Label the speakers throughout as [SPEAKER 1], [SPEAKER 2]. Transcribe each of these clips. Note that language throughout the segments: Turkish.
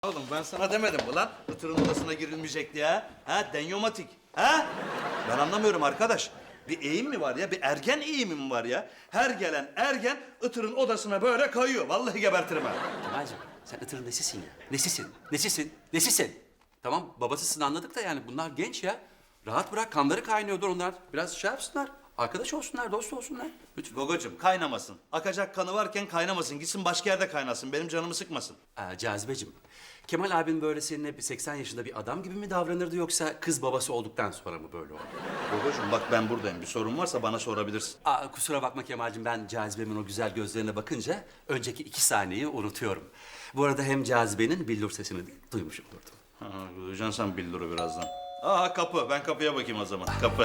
[SPEAKER 1] Oğlum ben sana demedim mi lan? Itır'ın odasına girilmeyecek diye. Ha? Denyomatik. Ha? Ben anlamıyorum arkadaş. Bir eğim mi var ya? Bir ergen eğimi mi var ya? Her gelen ergen Itır'ın odasına böyle kayıyor. Vallahi gebertirim ha.
[SPEAKER 2] Kemal'cim sen Itır'ın nesisin ya? Nesisin? Nesisin? Nesisin? Tamam babasısın anladık da yani bunlar genç ya. Rahat bırak kanları kaynıyordur onlar. Biraz şey yapsınlar. Arkadaş olsunlar, dost olsunlar. Lütfen.
[SPEAKER 1] Gogocuğum kaynamasın. Akacak kanı varken kaynamasın. Gitsin başka yerde kaynasın. Benim canımı sıkmasın.
[SPEAKER 2] Cazibeciğim, Kemal abin böyle seninle bir 80 yaşında bir adam gibi mi davranırdı yoksa kız babası olduktan sonra mı böyle oldu?
[SPEAKER 1] Gogocuğum bak ben buradayım. Bir sorun varsa bana sorabilirsin.
[SPEAKER 2] Kusura bakma Kemal'cim ben Cazibe'min o güzel gözlerine bakınca önceki 2 saniyeyi unutuyorum. Bu arada hem Cazibe'nin billur sesini de duymuş olurdum.
[SPEAKER 1] Ha, duyacaksın sen billuru birazdan. Aa kapı. Ben kapıya bakayım o zaman. Kapı.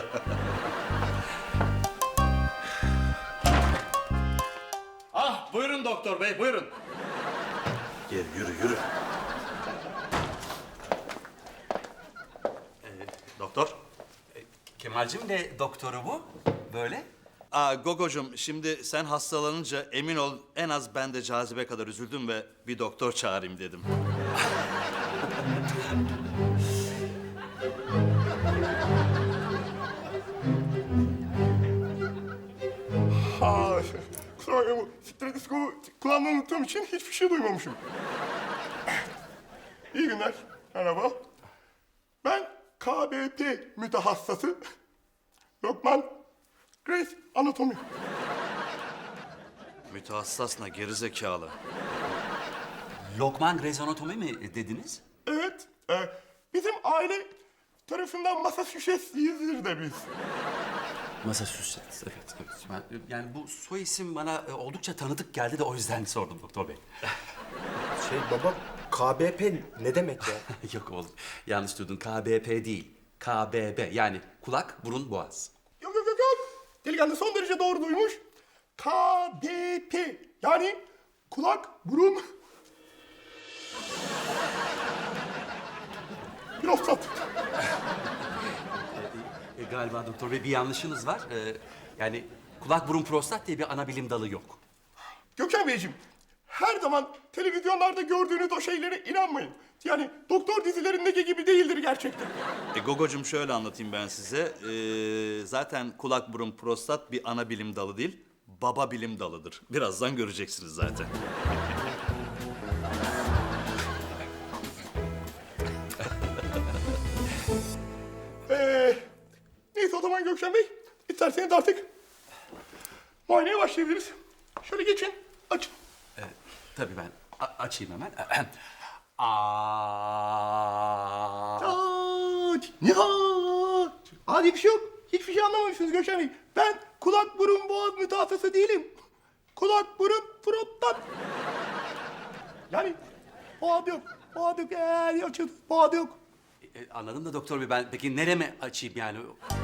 [SPEAKER 1] Ah buyurun doktor bey buyurun. Gel yürü yürü. Doktor.
[SPEAKER 2] Kemal'cim de doktoru bu. Böyle.
[SPEAKER 1] Gogocuğum şimdi sen hastalanınca emin ol en az ben de Cazibe kadar üzüldüm ve bir doktor çağırayım dedim.
[SPEAKER 3] Kusura bakma bu stetoskopu kulağımdan unuttuğum için hiçbir şey duymamışım. İyi günler, merhaba. Ben KBP mütehassısı Lokman Grace Anatomi.
[SPEAKER 1] Mütehassasına gerizekalı.
[SPEAKER 2] Lokman rezonatomi mi dediniz?
[SPEAKER 3] Evet, bizim aile tarafından Massachusetts'liyizdir de biz.
[SPEAKER 2] Massachusetts, evet. Yani bu soy isim bana oldukça tanıdık geldi de o yüzden sordum doktor bey.
[SPEAKER 4] Baba, KBP ne demek ya?
[SPEAKER 2] Yok oğlum, yanlış duydun. KBP değil, KBB. Yani kulak, burun, boğaz.
[SPEAKER 3] Yok. Delikanlı son derece doğru duymuş. KBP yani kulak, burun, prostat.
[SPEAKER 2] Galiba doktor bey bir yanlışınız var. Yani kulak, burun, prostat diye bir ana bilim dalı yok.
[SPEAKER 3] Gökhan Beyciğim, her zaman televizyonlarda gördüğünüz o şeylere inanmayın. Yani doktor dizilerindeki gibi değildir gerçekten.
[SPEAKER 1] Gogocuğum şöyle anlatayım ben size. Zaten kulak, burun, prostat bir ana bilim dalı değil, baba bilim dalıdır. Birazdan göreceksiniz zaten.
[SPEAKER 3] Neyse o zaman Gökhan Bey, isterseniz artık muayeneye başlayabiliriz. Şöyle geçin, açın.
[SPEAKER 2] Tabii ben açayım hemen.
[SPEAKER 3] Nihat! Adi bir şey yok. Hiçbir şey anlamamışsınız Gökhan Bey. Ben kulak, burun, boğaz mütehassısı değilim. Kulak, burun, prostat. Yani boğaz yok. Boğaz yok. Açın. Boğaz yok.
[SPEAKER 2] Anladım da doktor bey ben peki nereme açayım yani?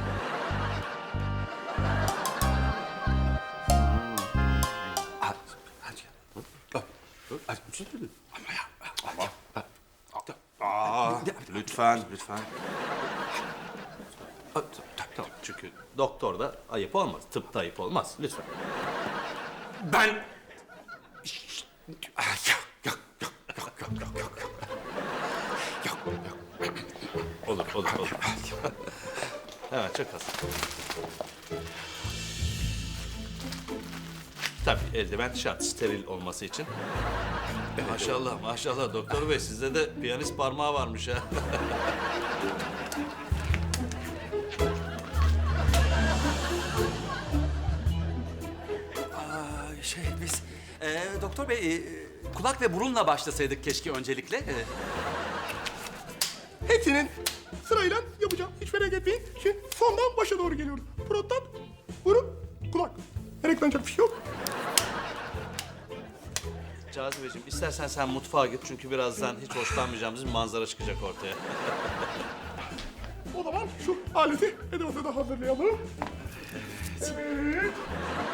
[SPEAKER 1] Lütfen. Çünkü doktorda ayıp olmaz, tıpta ayıp olmaz. Lütfen.
[SPEAKER 2] Ben...
[SPEAKER 1] Olur. Evet, çok az. Tabii eldiven şart, steril olması için. Maşallah doktor bey sizde de piyanist parmağı varmış ha.
[SPEAKER 2] Biz doktor bey kulak ve burunla başlasaydık keşke öncelikle.
[SPEAKER 3] Hepsinin sırayla yapacağım. Hiç merak etmeyin. Şimdi sondan başa doğru geliyoruz. Prostat, burun, kulak. Meraklanacak bir şey yok.
[SPEAKER 1] Cazibeciğim istersen sen mutfağa git çünkü birazdan hiç hoşlanmayacağımız bir manzara çıkacak ortaya.
[SPEAKER 3] O zaman şu aleti edevatı da hazırlayalım. Evet.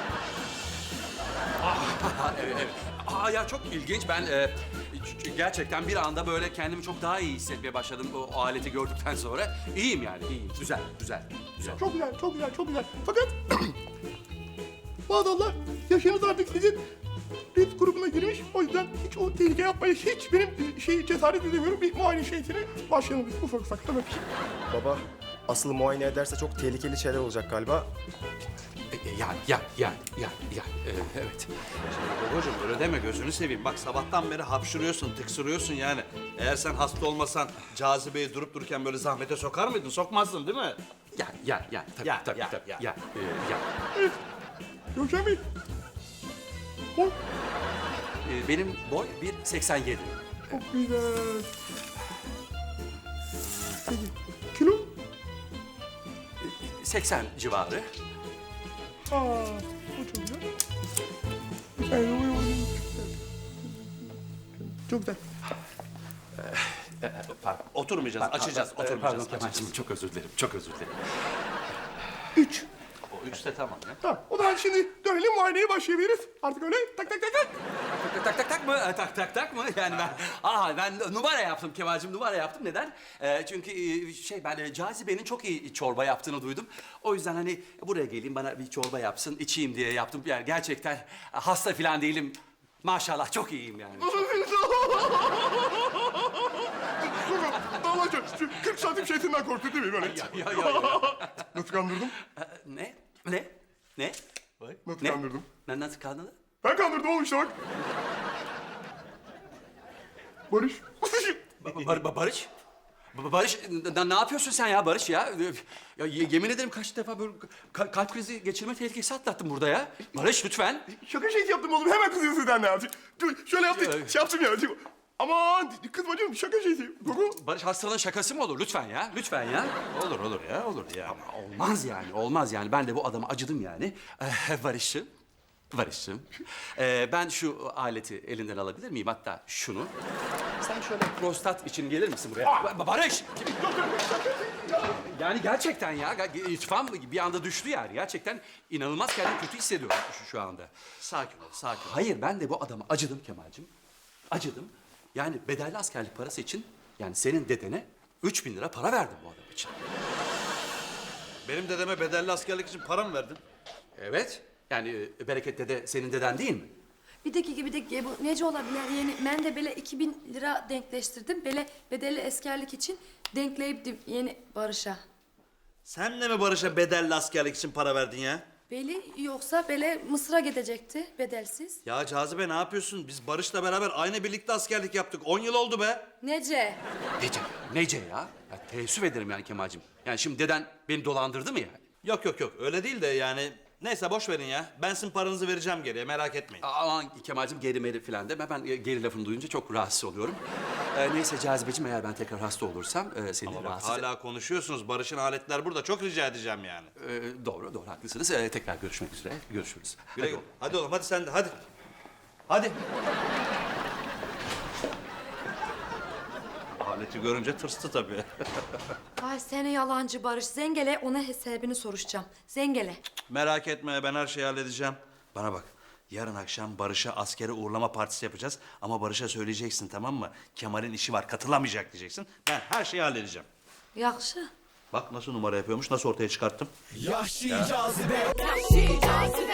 [SPEAKER 2] Evet. Ya çok ilginç. Ben gerçekten bir anda böyle kendimi çok daha iyi hissetmeye başladım o aleti gördükten sonra. İyiyim yani, iyiyim. Güzel.
[SPEAKER 3] Çok güzel. Fakat maazallah yaşınız artık sizin risk grubuna girmiş. O yüzden hiç o tehlike yapmaya hiç benim cesaret edemiyorum. Bir muayene şeysine başlayalım biz ufak ufak tabii.
[SPEAKER 4] Baba asıl muayene ederse çok tehlikeli şeyler olacak galiba.
[SPEAKER 2] Evet.
[SPEAKER 1] Şimdi babacığım öyle deme gözünü seveyim. Bak sabahtan beri hapşırıyorsun, tıksırıyorsun yani. Eğer sen hasta olmasan Cazibe'yi durup dururken böyle zahmete sokar mıydın? Sokmazdın değil mi?
[SPEAKER 2] Tabii.
[SPEAKER 3] Gökhan Bey. O
[SPEAKER 2] Benim boy 1.87.
[SPEAKER 3] çok güzel. Peki, kilo?
[SPEAKER 2] 80 civarı.
[SPEAKER 3] Aa, o çok güzel. Çok güzel.
[SPEAKER 1] Pardon. Oturmayacağız, açacağız, oturmayacağız.
[SPEAKER 2] Pardon
[SPEAKER 1] açacağız.
[SPEAKER 2] Kemal'cim, çok özür dilerim.
[SPEAKER 3] 3.
[SPEAKER 1] O üçte tamam ya.
[SPEAKER 3] Tamam. O zaman şimdi dönelim muayeneye başlayabiliriz. Artık öyle tak.
[SPEAKER 2] Tak mı? Yani ben numara yaptım Kemal'cim, numara yaptım. Neden? Çünkü ben Cazibe'nin çok iyi çorba yaptığını duydum. O yüzden hani buraya geleyim, bana bir çorba yapsın, içeyim diye yaptım. Yani gerçekten hasta falan değilim. Maşallah çok iyiyim yani.
[SPEAKER 3] Davacı, 40 santim şeysinden korktu değil mi böyle?
[SPEAKER 2] Ya.
[SPEAKER 3] Nasıl kandırdım?
[SPEAKER 2] Ne?
[SPEAKER 3] Nasıl kandırdım?
[SPEAKER 2] Nasıl kandırdın?
[SPEAKER 3] Ben kandırdım oğlum işte bak. Barış.
[SPEAKER 2] Barış? Barış, ne yapıyorsun sen ya Barış ya? Ya yemin ederim kaç defa böyle kalp krizi geçirme tehlikesi atlattım burada ya. Barış lütfen.
[SPEAKER 3] Şaka şeysi yaptım oğlum. Hemen kızıyorsun sen ne yaptın? Şöyle yaptım. Şey yaptım ya. Aman kızma canım şaka şeysi.
[SPEAKER 2] Barış hastalığın şakası mı olur? Lütfen ya.
[SPEAKER 1] Olur ya.
[SPEAKER 2] Olmaz yani. Ben de bu adama acıdım yani. Barış'cığım. Ben şu aleti elinden alabilir miyim? Hatta şunu. Sen şöyle prostat için gelir misin buraya? Barış! Yani gerçekten ya. İrtifam bir anda düştü yani. Gerçekten inanılmaz kendimi kötü hissediyorum şu anda.
[SPEAKER 1] Sakin ol.
[SPEAKER 2] Hayır ben de bu adama acıdım Kemal'cim. Acıdım. Yani bedelli askerlik parası için yani senin dedene 3.000 lira para verdim bu adam için.
[SPEAKER 1] Benim dedeme bedelli askerlik için para mı verdin?
[SPEAKER 2] Evet. Yani Bereket dede senin deden değil mi?
[SPEAKER 5] Bir dakika bu nece olabilir? Yani ben de böyle 2000 lira denkleştirdim. Böyle bedelli askerlik için denkleyiptim yeni Barış'a.
[SPEAKER 1] Sen de mi Barış'a bedelli askerlik için para verdin ya?
[SPEAKER 5] Beli yoksa böyle Mısır'a gidecekti bedelsiz.
[SPEAKER 1] Ya Cazibe ne yapıyorsun? Biz Barış'la beraber aynı birlikte askerlik yaptık. 10 yıl oldu be.
[SPEAKER 5] Nece?
[SPEAKER 2] Nece ya? Ya teessüf ederim yani Kemal'cim. Yani şimdi deden beni dolandırdı mı yani?
[SPEAKER 1] Yok öyle değil de yani. Neyse boş verin ya. Ben sizin paranızı vereceğim geriye merak etmeyin.
[SPEAKER 2] Aman Kemal'cim geri meri falan deme. Ben geri lafını duyunca çok rahatsız oluyorum. Neyse Cazibeciğim eğer ben tekrar hasta olursam seni
[SPEAKER 1] Ama bak
[SPEAKER 2] rahatsız...
[SPEAKER 1] hala konuşuyorsunuz. Barış'ın aletler burada. Çok rica edeceğim yani.
[SPEAKER 2] Doğru haklısınız. Tekrar görüşmek üzere. Görüşürüz.
[SPEAKER 1] Güle güle. Hadi oğlum hadi sen de hadi. Hadi. Aleti görünce tırstı tabii.
[SPEAKER 5] Ay seni yalancı Barış. Zengele ona hesabını soruşacağım. Zengele.
[SPEAKER 1] Merak etme ben her şeyi halledeceğim. Bana bak. Yarın akşam Barış'a askere uğurlama partisi yapacağız. Ama Barış'a söyleyeceksin tamam mı? Kemal'in işi var katılamayacak diyeceksin. Ben her şeyi halledeceğim.
[SPEAKER 5] Yakşı.
[SPEAKER 1] Bak nasıl numara yapıyormuş, nasıl ortaya çıkarttım.
[SPEAKER 6] Yahşi cazibe.